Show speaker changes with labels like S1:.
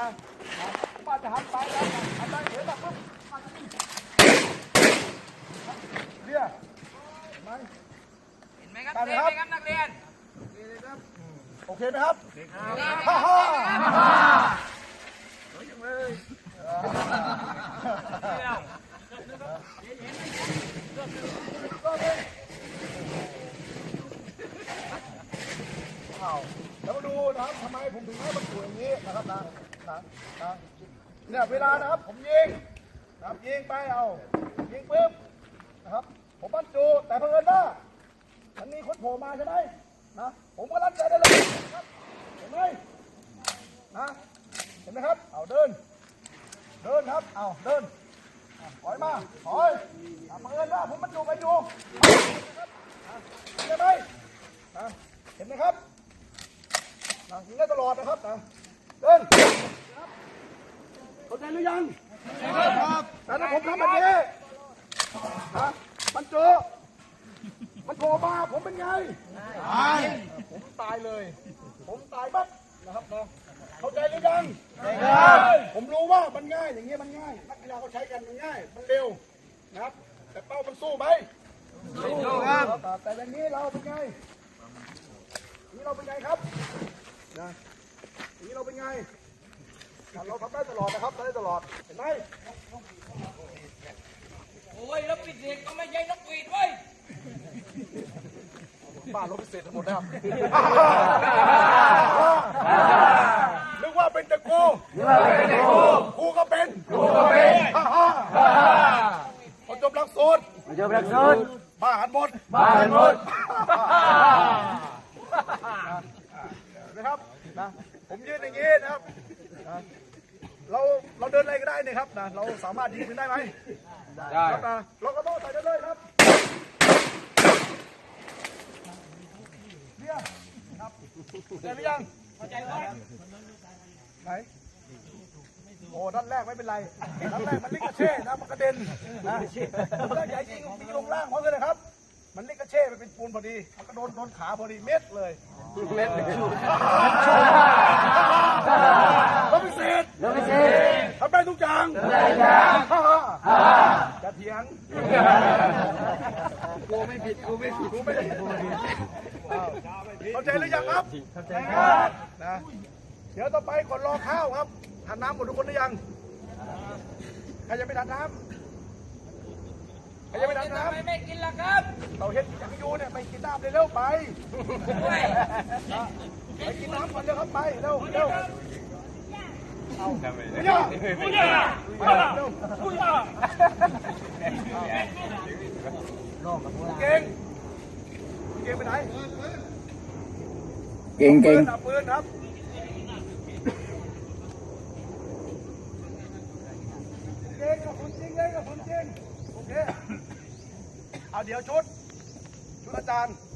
S1: ป้าจะหันไปแล้วหันไปเห็นแบบปุ๊บเรียเห็นไหม
S2: เห็นไหมครับเห็นไหมครับนักเรียน
S1: โอเคไหมครับฮ่าฮ่าสวยจังเลยแล้วมาดูนะครับทำไมผมถึงให้มันสวยอย่างนี้นะครับนะเนี่ยเวลานะครับผมยิงนะครับยิงไปเอายิงปุ๊บนะครับผมบรรจุแต่เผอิญว่ามันมีคนโผล่มาใช่ไหมนะผมก็ลั่นใจได้เลยครับเห็นไหมนะเห็นไหมครับเอาเดินครับเอาเดินถอยมาถอยเผอิญว่าผมบรรจุไปอยู่เห็นไหมเห็นไหมครับยิงได้ตลอดนะครับเดินเข้าใจหรือยังครับแต่ถ้าผมทำแบบนี้มันเจอมันโผล่มาผมเป็นไงตายผมตายเลยผมตายปั๊บนะครับเข้าใจหรือยังผมรู้ว่ามันง่ายอย่างเงี้ยมันง่ายนักกีฬาเขาใช้กันมันง่ายมันเร็วนะครับแต่เป้ามันสู้ไหมสู้ครับแต่อย่างนี้เราเป็นไงนี่เราเป็นไงครับนะอย่างนี้เราเป็นไงเราทำได้ตลอดนะครับทำได้ตลอดเห็นไหม
S2: โอ้ยแล้วปิดเสียงก็ไม่ใช่นกหวีดเว้ย
S1: บ้านรถพิเศษทั้งหมดนะครับนึกว่าเป็นตะกูกูก็เป็นพอจบหลักสูตรบ้าหันหมดนะครับนะผมยืนอย่างนี้นะครับเราเดินอะไรก็ได้เนี่ยครับนะเราสามารถยิงปืนได้ไหมได้ครับนะเราก็ต้องใส่ได้เลยครับเนี่ยครับเข้าใจหรือยังเข้าใจแล้วไหนโอ้ด้านแรกไม่เป็นไรด้านแรกมันลิกระเช่นะมันกระเด็นนะด้านใหญ่ยิงตีลงล่างเพราะเลยนะครับมันลิกระเช่มันเป็นปูนพอดีมันก็โดนขาพอดีเม็ดเลยรถพิเศษทำได้ทุกอย่างจะเถียงกูไม่ผิดเข้าใจหรือยังครับเข้าใจครับนะเดี๋ยวต่อไปก่อนรอข้าวครับทานน้ำหมดทุกคนหรือยังใครจะไปทานน้ำ
S2: ไม่กินละครับ
S1: เราเห็นอย่างที่อยู่เนี่ยไปกินน้ำเลยเร็วไปกินน้ำก่อนเร็วครับไปเร็วเอาไม่ยากเก่งไปไหนเก่งปืนครับเก่งกับผมจริงโอเคเอาเดี๋ยวชุดอาจารย์